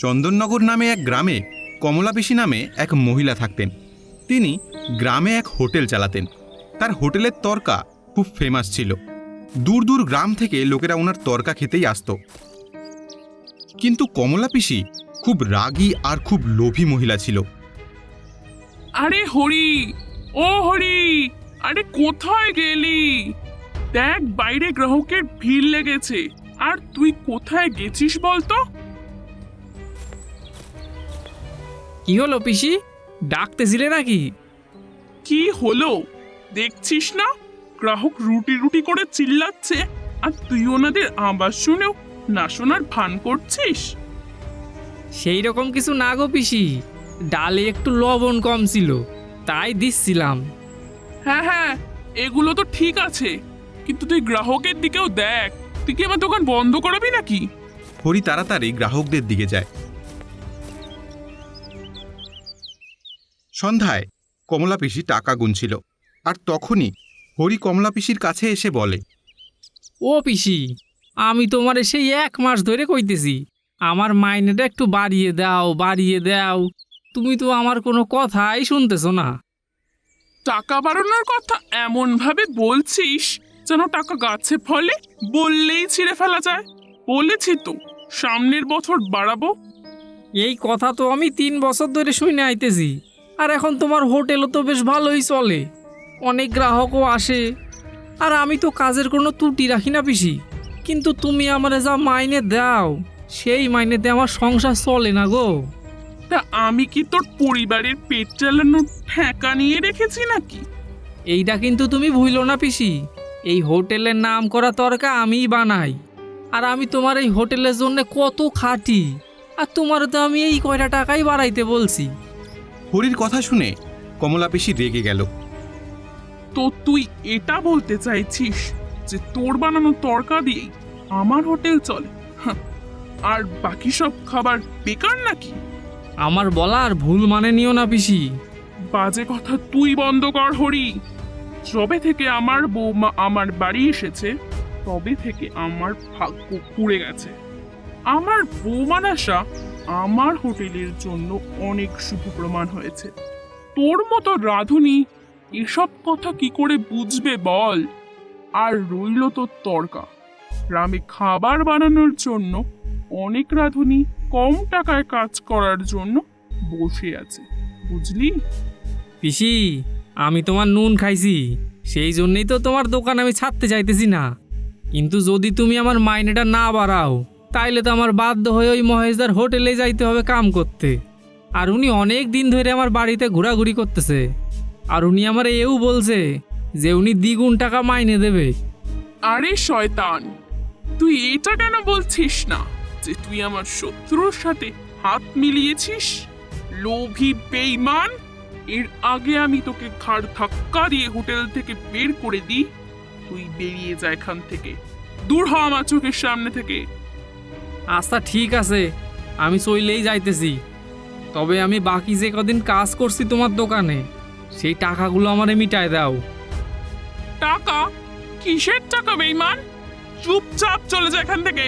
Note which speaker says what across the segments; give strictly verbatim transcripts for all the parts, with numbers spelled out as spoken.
Speaker 1: চন্দননগর নামে এক গ্রামে কমলা পিসি নামে এক মহিলা থাকতেন। তিনি গ্রামে এক হোটেল চালাতেন। তার হোটেলের তরকা খুব ফেমাস ছিল। দূর দূর গ্রাম থেকে লোকেরা ওনার তরকা খেতেই আসত। কিন্তু কমলা পিসি খুব রাগী আর খুব লোভী মহিলা ছিল।
Speaker 2: আরে হরি, ও হরি, আরে কোথায় গেলি? দেখ বাইরে গ্রাহকের ভিড় লেগেছে, আর তুই কোথায় গেছিস বলতো?
Speaker 3: কি হলো পিসি, ডাকতেছিলে নাকি?
Speaker 2: কি হলো দেখছিস না? গ্রাহক রুটি রুটি করে চিল্লাচ্ছে, আর তুই ওনাদের আওয়াজ শুনেও না শোনার ভান করছিস।
Speaker 3: সেই রকম কিছু না গো পিসি, ডালে একটু লবণ কম ছিল, তাই দিচ্ছিলাম।
Speaker 2: হ্যাঁ হ্যাঁ, এগুলো তো ঠিক আছে, কিন্তু তুই গ্রাহকের দিকেও দেখ। তুই কি আমার দোকান বন্ধ করাবি নাকি?
Speaker 1: হরি তাড়াতাড়ি গ্রাহকদের দিকে যায়। সন্ধ্যায় কমলা পিসি টাকা গুনছিল, আর তখনই হরি কমলা পিসির কাছে এসে বলে,
Speaker 3: ও পিসি, আমি তোমার সেই এক মাস ধরে কইতেছি আমার মাইনেটা একটু বাড়িয়ে দাও বাড়িয়ে দাও, তুমি তো আমার কোনো কথাই শুনতেছো না।
Speaker 2: টাকা বাড়ানোর কথা এমন ভাবে বলছিস যেন টাকা গাছে ফলে, বললেই ছিঁড়ে ফেলা যায়। বলেছি তো সামনের বছর বাড়াবো।
Speaker 3: এই কথা তো আমি তিন বছর ধরে শুনে আইতেছি, আর এখন তোমার হোটেলও তো বেশ ভালোই চলে, অনেক গ্রাহকও আসে, আর আমি তো কাজের কোনো ত্রুটি রাখি না পিসি। কিন্তু তুমি আমারে যা মাইনে দাও সেই মাইনেতে আমার সংসার চলে না গো।
Speaker 2: তা আমি কি তোর পরিবারের পেট চালানোর ঠেকা নিয়ে রেখেছি নাকি?
Speaker 3: এইটা কিন্তু তুমি ভুলো না পিসি, এই হোটেলের নাম করা তরকা আমিই বানাই, আর আমি তোমার এই হোটেলের জন্য কত খাটি, আর তোমার তো আমি এই কয়টা টাকাই বাড়াইতে বলছি।
Speaker 1: হরির কথা শুনে কমলা পিসি রেগে গেল।
Speaker 2: তো তুই এটা বলতে চাইছিস যে তোর বানানো তরকা দিয়েই আমার হোটেল চলে? হাহ, আর বাকি সব খাবার বেকার নাকি?
Speaker 3: আমার বলার ভুল মানে নিও না পিসি।
Speaker 2: বাজে কথা তুই বন্ধ কর হরি। যবে থেকে আমার বৌমা আমার বাড়ি এসেছে তবে থেকে আমার ভাগ্য পুড়ে গেছে। আমার বৌমার আশা আমার হোটেলের জন্য অনেক শুভ প্রমাণ হয়েছে। তোর মতো রাঁধুনি এসব কথা কি করে বুঝবে বল? আর রইল তোর তরকা, গ্রামে খাবার বানানোর জন্য অনেক রাঁধুনি কম টাকায় কাজ করার জন্য বসে আছে, বুঝলি?
Speaker 3: পিসি, আমি তোমার নুন খাইছি, সেই জন্যই তো তোমার দোকান আমি ছাড়তে চাইতেছি না। কিন্তু যদি তুমি আমার মাইনেটা না বাড়াও তাইলে তো আমার বাধ্য হয়ে ওই মহেশদার হোটেলে যাইতে হবে কাম করতে। আর উনি অনেক দিন ধরে আমার বাড়িতে ঘোরাঘুরি করতেছে, আর উনি আমার এও বলছে যে উনি দ্বিগুণ টাকা মাইনে দেবে।
Speaker 2: আরে শয়তান, তুই এটা কেন বলছিস না যে তুই আমার শত্রুর সাথে হাত মিলিয়েছিস? লোভী বেঈমান! এর আগে আমি তোকে ঘাড় ধাক্কা দিয়ে হোটেল থেকে বের করে দিই। তুই বেরিয়ে যা এখান থেকে, দূর হ আমার চোখের সামনে থেকে।
Speaker 3: আচ্ছা ঠিক আছে, আমি চইলেই যাইতেছি, তবে আমি বাকি যে কদিন কাজ করছি তোমার দোকানে সেই টাকাগুলো আমারে মিটায় দাও।
Speaker 2: টাকা? কিসের টাকা বেঈমান? চুপচাপ চলে যা এখান থেকে।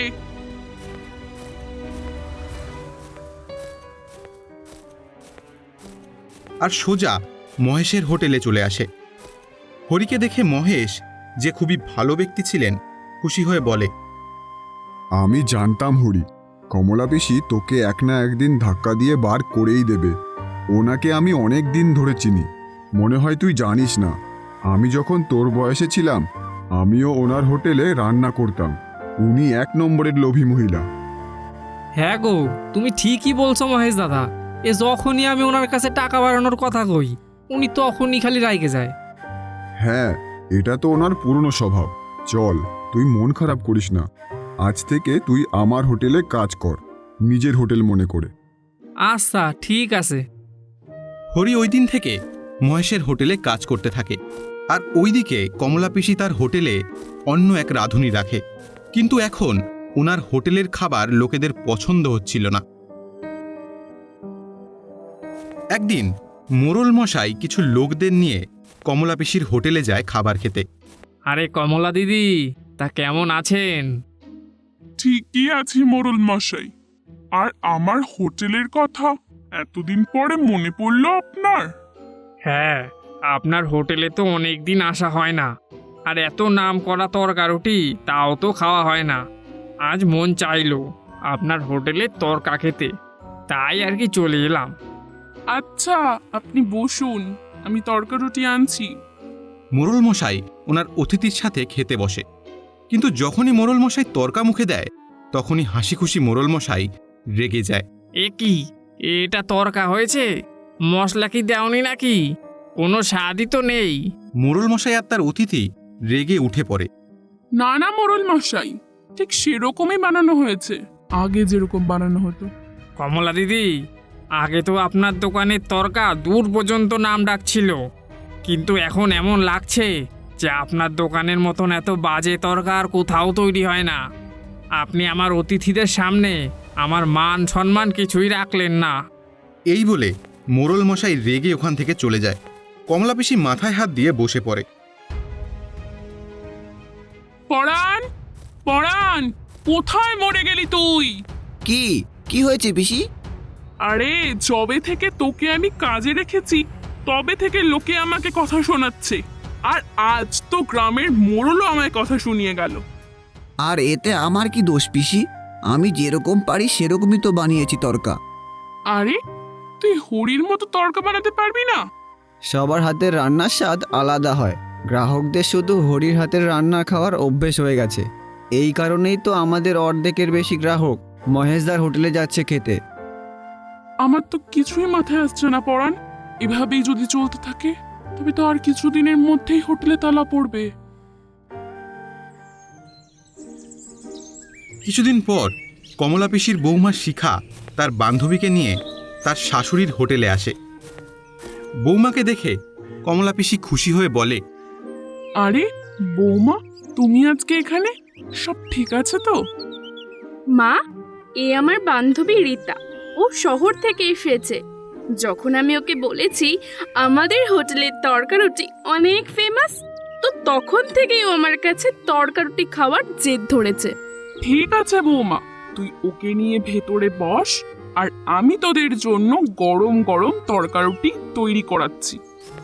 Speaker 1: আর সোজা মহেশের হোটেলে চলে আসে। হরিকে দেখে মহেশ, যে খুবই ভালো ব্যক্তি ছিলেন, খুশি হয়ে বলে,
Speaker 4: আমি জানতাম হরি, কমলা পিসি তোকে এক না একদিন ধাক্কা দিয়ে বার করেই দেবে। ওনাকে আমি অনেক দিন ধরে চিনি, মনে হয় তুই জানিস না, আমি যখন তোর বয়সে ছিলাম আমিও ওনার হোটেলে রান্না করতাম। উনি এক নম্বরের লোভী মহিলা।
Speaker 3: হ্যাঁ গো, তুমি ঠিকই বলছো মহেশ দাদা, এ যখনই আমি ওনার কাছে টাকা বাড়ানোর কথা কই উনি তখনই খালি রাইগে যায়।
Speaker 4: হ্যাঁ, এটা তো ওনার পুরনো স্বভাব। চল, তুই মন খারাপ করিস না, আজ থেকে তুই আমার হোটেলে কাজ কর, নিজের হোটেল মনে করে।
Speaker 3: আচ্ছা ঠিক আছে।
Speaker 1: হরি ওই দিন থেকে মহেশের হোটেলে কাজ করতে থাকে। আর ওইদিকে কমলা পিসি তার হোটেলে অন্য এক রাঁধুনি রাখে, কিন্তু এখন ওনার হোটেলের খাবার লোকেদের পছন্দ হচ্ছিল না। একদিন মোড়ল মশাই কিছু লোকদের নিয়ে কমলা পিসির হোটেলে যায় খাবার খেতে।
Speaker 3: আরে কমলা দিদি, তা কেমন আছেন?
Speaker 2: ঠিকই আছি মোড়ল মশাই, আর আমার হোটেলের কথা এতদিন পরে মনে পড়লো আপনার?
Speaker 3: হ্যাঁ, আপনার হোটেলে তো অনেক দিন আসা হয় না, আর এত নাম করা তরকারুটি তাও তো খাওয়া হয় না। আজ মন চাইলো আপনার হোটেলে তরকা খেতে, তাই আর কি চলে এলাম।
Speaker 2: আচ্ছা, আপনি বসুন, আমি তরকা রুটি আনছি।
Speaker 1: মোড়ল মশাই ওনার অতিথির সাথে খেতে বসে, কিন্তু যখনই মোড়ল মশাই তর্কা মুখে দেয় তখনই হাসি খুশি মোড়ল মশাই রেগে যায়।
Speaker 3: এ কি, এটা তরকা হয়েছে? মশলা কি দেওনি নাকি? কোনো স্বাদই তো নেই।
Speaker 1: মোড়ল মশাই আর তার অতিথি রেগে উঠে পড়ে।
Speaker 2: না না মোড়ল মশাই, ঠিক সেরকমই বানানো হয়েছে, আগে যেরকম বানানো হতো।
Speaker 3: কমলা দিদি, আগে তো আপনার দোকানের তরকা দূর পর্যন্ত নাম ডাকছিল, কিন্তু এখন এমন লাগছে যে আপনার দোকানের মতন এত বাজে তরকা আর কোথাও তৈরি হয় না। আপনি আমার অতিথিদের সামনে আমার মান সম্মান কিছুই রাখলেন না।
Speaker 1: এই বলে মোড়ল মশাই রেগে ওখান থেকে চলে যায়। কমলা পিসি মাথায় হাত দিয়ে বসে পড়ে।
Speaker 2: পরাণ, পরাণ, কোথায় মরে গেলি তুই?
Speaker 5: কি কি হয়েছে পিসি?
Speaker 2: আরে যবে থেকে তোকে আমি কাজে রেখেছি তবে থেকে লোকে আমাকে কথা শোনাচ্ছে, আর আজ তো গ্রামের মোড়লও আমায় কথা শুনিয়ে গেল।
Speaker 5: আর এতে আমার কি দোষ পিসি? আমি যেরকম পারি সেরকমই তো বানিয়েছি তরকা।
Speaker 2: আরে তুই হরির মতো তরকা বানাতে পারবি না?
Speaker 6: সবার হাতের রান্নার স্বাদ আলাদা হয়। গ্রাহকদের শুধু হরির হাতের রান্না খাওয়ার অভ্যেস হয়ে গেছে। এই কারণেই তো আমাদের অর্ধেকের বেশি গ্রাহক মহেশদার হোটেলে যাচ্ছে খেতে।
Speaker 2: আমার তো কিছুই মাথায় আসছে না পরাণ, এভাবেই যদি চলতে থাকে তবে তো আর কিছুদিনের মধ্যেই হোটেলে তালা পড়বে।
Speaker 1: কিছুদিন পর কমলা পিসির বৌমা শিখা তার বান্ধবীকে নিয়ে তার শাশুড়ির হোটেলে আসে। বৌমাকে দেখে কমলা পিসি খুশি হয়ে বলে,
Speaker 2: আরে বৌমা, তুমি আজকে এখানে? সব ঠিক আছে তো?
Speaker 7: মা, এ আমার বান্ধবী রীতা, ও শহর থেকে এসেছে। যখন আমি ওকে বলেছি আমাদের হোটেলের তরকারুটি অনেক ফেমাস, তো তখন থেকেই ও আমার কাছে তরকারুটি খাওয়ার জেদ ধরেছে।
Speaker 2: ঠিক আছে বৌমা, তুই ওকে নিয়ে ভেতরে বস, আর আমি তোদের জন্য গরম গরম তরকারুটি তৈরি করাচ্ছি।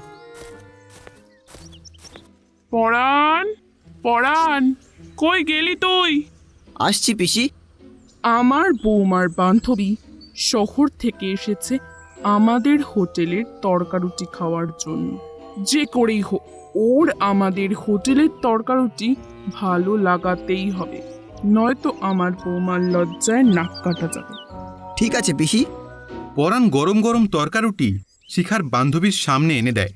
Speaker 2: পরাণ, পরাণ, কই গেলি তুই?
Speaker 5: আসছি পিসি।
Speaker 2: আমার বৌমার বান্ধবী শহর থেকে এসেছে আমাদের হোটেলের তরকারুটি খাওয়ার জন্য। যে করেই হোক ওর আমাদের হোটেলের তরকারুটি ভালো লাগাতেই হবে, নয়তো আমার বৌমার লজ্জায় নাক কাটা যাবে।
Speaker 5: ঠিক আছে পিসি।
Speaker 1: পরাণ গরম গরম তরকারুটি শিখার বান্ধবীর সামনে এনে দেয়।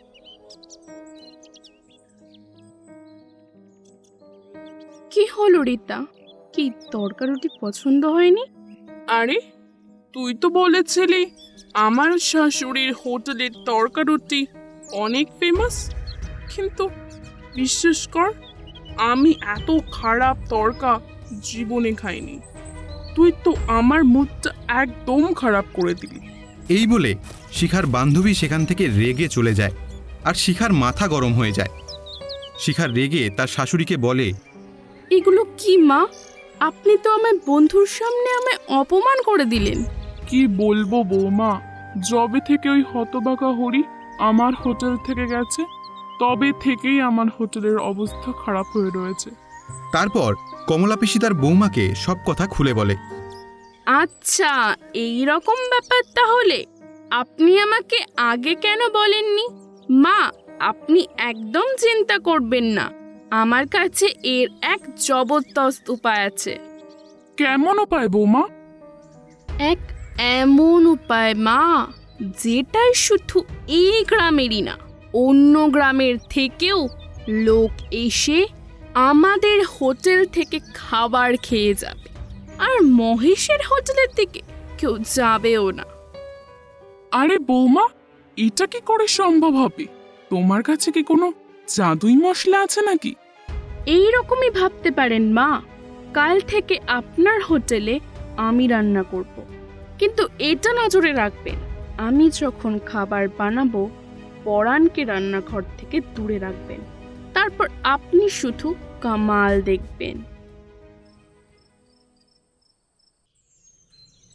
Speaker 7: কি হলো রীতা, কি তরকারুটি পছন্দ হয়নি?
Speaker 2: আরে তুই তো বলেছিলি আমার শাশুড়ির হোটেলের তরকারুটি অনেক ফেমাস, কিন্তু বিশ্বাস কর আমি এত খারাপ তরকা জীবনে খাইনি। তুই তো আমার মুডটা একদম খারাপ করে দিলি।
Speaker 1: এই বলে শিখার বান্ধবী সেখান থেকে রেগে চলে যায়, আর শিখার মাথা গরম হয়ে যায়। শিখার রেগে তার শাশুড়িকে বলে,
Speaker 7: এগুলো কি মা? আপনি তো আমার বন্ধুর সামনে আমায় অপমান করে দিলেন।
Speaker 2: কি বলবো বৌমা, যবে থেকে ওই হতবাকা হরি আমার হোটেল থেকে গেছে তবে থেকেই আমার হোটেলের অবস্থা খারাপ হয়ে রয়েছে।
Speaker 1: তারপর কমলা পিসি তার বৌমাকে সব কথা খুলে বলে।
Speaker 7: আচ্ছা, এই রকম ব্যাপার তাহলে। আপনি আমাকে আগে কেন বলেননি? মা, আপনি একদম চিন্তা করবেন না, আমার কাছে এর এক জবরদস্ত উপায় আছে।
Speaker 2: কেমন উপায় বৌমা?
Speaker 7: এক এমন উপায় মা, যেটাই শুধু এই গ্রামেরই না, অন্য গ্রামের থেকেও লোক এসে আমাদের হোটেল থেকে খাবার খেয়ে যাবে, আর মহেশের হোটেলের দিকে কেউ যাবেও না।
Speaker 2: আরে বৌমা, এটা কি করে সম্ভব হবে? তোমার কাছে কি কোনো জাদুই মশলা আছে নাকি?
Speaker 7: এই রকমই ভাবতে পারেন মা। কাল থেকে আপনার হোটেলে আমি রান্না করব, কিন্তু এটা নজরে রাখবেন, আমি যখন খাবার বানাবো পরাণকে রান্নাঘর থেকে দূরে রাখবেন, তারপর আপনি শুধু কামাল দেখবেন।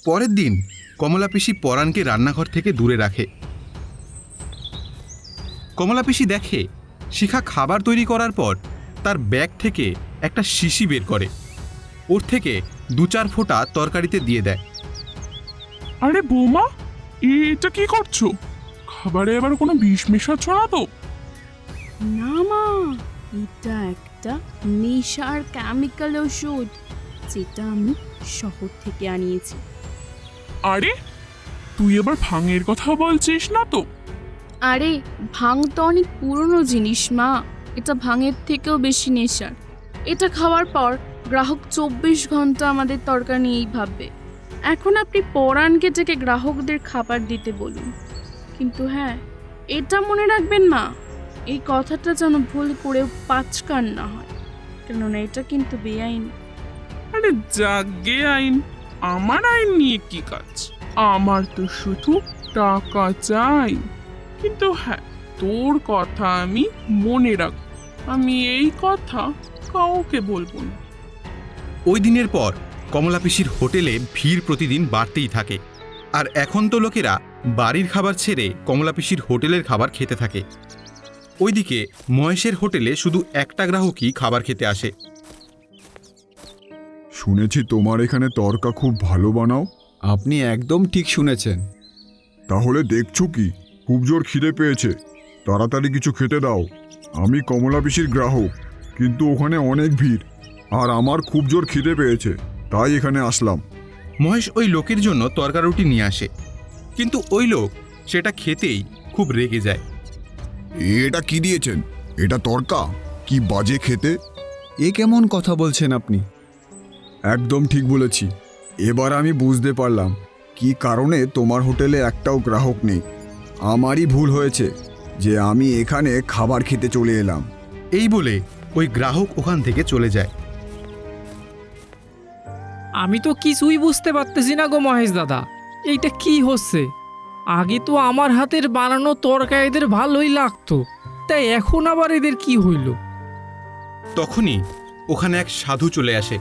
Speaker 1: পরের দিন কমলা পিসি পরাণকে রান্নাঘর থেকে দূরে রাখে। কমলা পিসি দেখে শিখা খাবার তৈরি করার পর তার ব্যাগ থেকে একটা শিশি বের করে, ওর থেকে দু চার ফোঁটা তরকারিতে দিয়ে দেয়।
Speaker 2: আরে বৌমা, এটা কি করছো? খাবারে এবার কোনো বিষ মেশাচ্ছ না তো?
Speaker 7: না মা, এটা একটা নেশার কেমিক্যাল ওষুধ, যেটা আমি শহর থেকে আনিয়েছি।
Speaker 2: আরে তুই এবার ভাঙের কথা বলছিস না তো?
Speaker 7: আরে ভাং তো অনেক পুরনো জিনিস মা, এটা ভাঙের থেকেও বেশি নেশার। এটা খাওয়ার পর গ্রাহক চব্বিশ ঘন্টা আমাদের তরকারি নিয়েই ভাববে। এখন আপনি পরাণকে ডেকে গ্রাহকদের খাবার দিতে বলুন, কিন্তু হ্যাঁ, এটা মনে রাখবেন মা, এই কথাটা যেন ভুল করেও পাঁচকান না হয়, কেননা এটা কিন্তু বেআইন।
Speaker 2: আরে জাগে আইন, আমার আইন নিয়ে কি কাজ? আমার তো শুধু টাকা চাই। কিন্তু হ্যাঁ, তোর কথা আমি মনে রাখ, আমি এই কথা কাউকে বলবো না।
Speaker 1: ওই দিনের পর কমলা পিসির হোটেলে ভিড় প্রতিদিন বাড়তেই থাকে, আর এখন তো লোকেরা বাড়ির খাবার ছেড়ে কমলা পিসির হোটেলের খাবার খেতে থাকে। ওইদিকে মহেশের হোটেলে শুধু একটা গ্রাহকই খাবার খেতে আসে।
Speaker 4: শুনেছি তোমার এখানে তরকা খুব ভালো বানাও।
Speaker 6: আপনি একদম ঠিক শুনেছেন।
Speaker 4: তাহলে দেখছো কি, খুব জোর খিদে পেয়েছে, তাড়াতাড়ি কিছু খেতে দাও। আমি কমলা পিসির গ্রাহক, কিন্তু ওখানে অনেক ভিড়, আর আমার খুব জোর খিদে পেয়েছে, তাই এখানে আসলাম।
Speaker 1: মহেশ ওই লোকের জন্য তরকারুটি নিয়ে আসে, কিন্তু ওই লোক সেটা খেতেই খুব রেগে যায়।
Speaker 4: এটা কি দিয়েছেন? এটা তরকা? কি বাজে খেতে!
Speaker 6: এ কেমন কথা বলছেন আপনি?
Speaker 4: একদম ঠিক বলেছি। এবার আমি বুঝতে পারলাম কি কারণে তোমার হোটেলে একটাও গ্রাহক নেই। আমারই ভুল হয়েছে যে আমি এখানে খাবার খেতে চলে এলাম।
Speaker 1: এই বলে ওই গ্রাহক ওখান থেকে চলে যায়।
Speaker 3: আমি তো কিছুই বুঝতে পারতেছি না গো মহেশ দাদা, এইটা কি হচ্ছে? আগে তো আমার হাতের বানানো তরকারি এদের ভালোই লাগতো, তাই এখন আবার এদের কি হইল?
Speaker 1: তখনই ওখানে এক সাধু চলে আসে।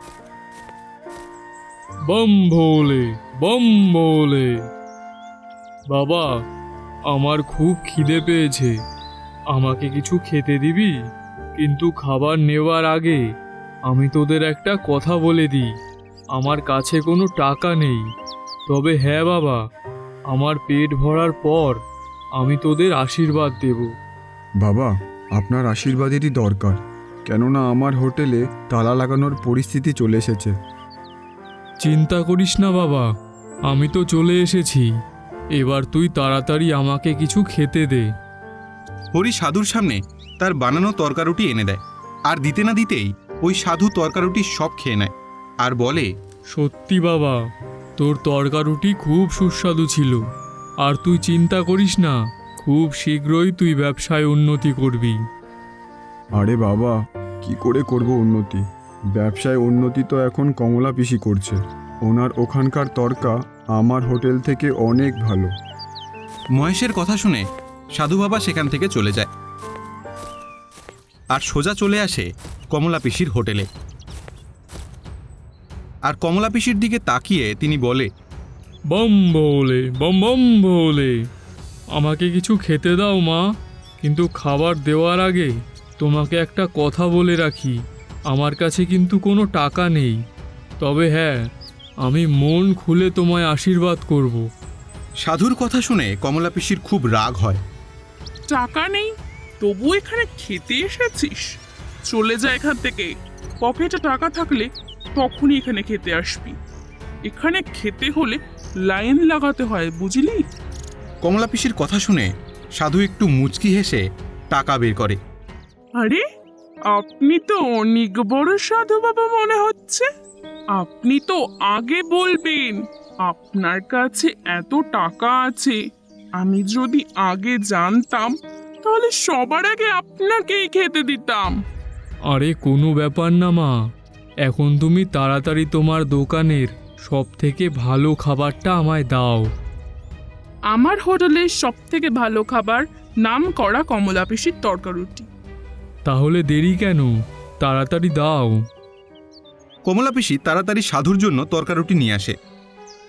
Speaker 3: বম ভোলে বম ভোলে। বাবা, আমার খুব খিদে পেয়েছে, আমাকে কিছু খেতে দিবি? কিন্তু খাবার নেওয়ার আগে আমি তোদের একটা কথা বলে দিই, আমার কাছে কোনো টাকা নেই, তবে হ্যাঁ বাবা, আমার পেট ভরার পর আমি তোদের আশীর্বাদ দেব।
Speaker 4: বাবা, আপনার আশীর্বাদেরই দরকার, কেননা আমার হোটেলে তালা লাগানোর পরিস্থিতি চলে এসেছে।
Speaker 3: চিন্তা করিস না বাবা, আমি তো চলে এসেছি, এবার তুই তাড়াতাড়ি আমাকে কিছু খেতে দে।
Speaker 1: হরি সাধুর সামনে তার বানানো তরকারুটি এনে দেয়, আর দিতে না দিতেই ওই সাধু তরকারুটি সব খেয়ে নেয় আর বলে,
Speaker 3: সত্যি বাবা, তোর তরকারুটি খুব সুস্বাদু ছিল, আর তুই চিন্তা করিস না, খুব শীঘ্রই তুই ব্যবসায় উন্নতি করবি।
Speaker 4: আরে বাবা, কি করে করব উন্নতি? ব্যবসায় উন্নতি তো এখন কমলা পিসি করছে, ওনার ওখানকার তরকা আমার হোটেল থেকে অনেক ভালো।
Speaker 1: মহেশের কথা শুনে সাধু বাবা সেখান থেকে চলে যায় আর সোজা চলে আসে কমলা পিসির হোটেলে। আর কমলা পিসির দিকে তাকিয়ে তিনি বলে,
Speaker 3: বম ভোলে বম বম ভোলে, আমাকে কিছু খেতে দাও মা, কিন্তু খাবার দেওয়ার আগে তোমাকে একটা কথা বলে রাখি, আমার কাছে কিন্তু কোনো টাকা নেই, তবে হ্যাঁ, আমি মন খুলে তোমায় আশীর্বাদ করব।
Speaker 1: সাধুর কথা শুনে কমলা পিসির খুব রাগ হয়।
Speaker 2: টাকা নেই, তবু এখানে খেতে এসেছিস? চলে যা এখান থেকে। পকেটে টাকা থাকলে তখনই এখানে খেতে আসবি। এখানে খেতে হলে লাইন লাগাতে হয়, বুঝলি?
Speaker 1: কমলা পিসির কথা শুনে সাধু একটু মুচকি হেসে টাকা বের করে।
Speaker 2: আরে, আপনি তো অনেক বড় সাধু বাবা মনে হচ্ছে। আপনি তো আগে বলবেন আপনার কাছে এত টাকা আছে। আমি যদি আগে জানতাম তাহলে সবার আগে আপনাকেই খেতে দিতাম।
Speaker 3: আরে কোনো ব্যাপার না মা, এখন তুমি তাড়াতাড়ি তোমার দোকানের সব থেকে ভালো খাবারটা আমায় দাও।
Speaker 2: আমার হোটেলের সব থেকে ভালো খাবার নাম করা কমলা পিসির তরকারুটি।
Speaker 3: তাহলে দেরি কেন, তাড়াতাড়ি দাও।
Speaker 1: কমলা পিসি তাড়াতাড়ি সাধুর জন্য তরকারুটি নিয়ে আসে।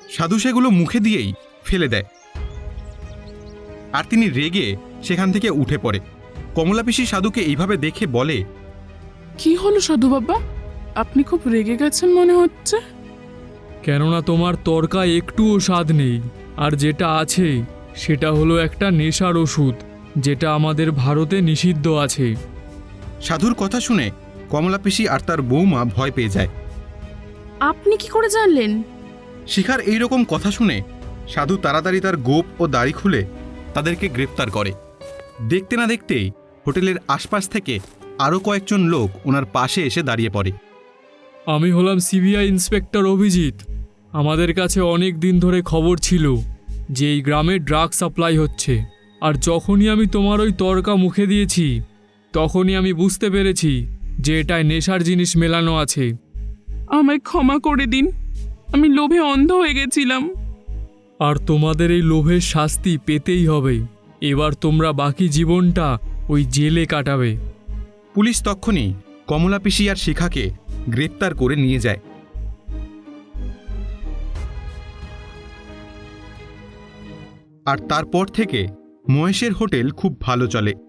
Speaker 1: সাধু সেগুলো মুখে দিয়েই ফেলে দেয় আর তিনি রেগে সেখান থেকে উঠে পড়ে। কমলা পিসি সাধুকে এইভাবে দেখে বলে,
Speaker 2: কি হলো সাধু বাবা, আপনি খুব রেগে গেছেন মনে হচ্ছে।
Speaker 3: কেননা তোমার তরকা একটুও স্বাদ নেই, আর যেটা আছে সেটা হলো একটা নেশার ওষুধ, যেটা আমাদের ভারতে নিষিদ্ধ আছে।
Speaker 1: সাধুর কথা শুনে কমলা পিসি আর তার বৌমা ভয় পেয়ে যায়।
Speaker 7: আপনি কি করে জানলেন?
Speaker 1: শিখার এই রকম কথা শুনে সাধু তাড়াতাড়ি তার গোপ ও দাড়ি খুলে তাদেরকে গ্রেপ্তার করে। দেখতে না দেখতেই হোটেলের আশপাশ থেকে আরও কয়েকজন লোক ওনার পাশে এসে দাঁড়িয়ে পড়ে।
Speaker 3: আমি হলাম সিবিআই ইন্সপেক্টর অভিজিৎ। আমাদের কাছে অনেক দিন ধরে খবর ছিল যে এই গ্রামে ড্রাগ সাপ্লাই হচ্ছে, আর যখনই আমি তোমার ওই তরকা মুখে দিয়েছি তখনই আমি বুঝতে পেরেছি যে এটায় নেশার জিনিস মেলানো আছে।
Speaker 2: আমায় ক্ষমা করে দিন, আমি লোভে অন্ধ হয়ে গেছিলাম।
Speaker 3: আর তোমাদের এই লোভের শাস্তি পেতেই হবে। এবার তোমরা বাকি জীবনটা ওই জেলে কাটাবে।
Speaker 1: পুলিশ তক্ষুনি কমলা পিসি আর শিখাকে গ্রেপ্তার করে নিয়ে যায়। আর তারপর থেকে মহেশের হোটেল খুব ভালো চলে।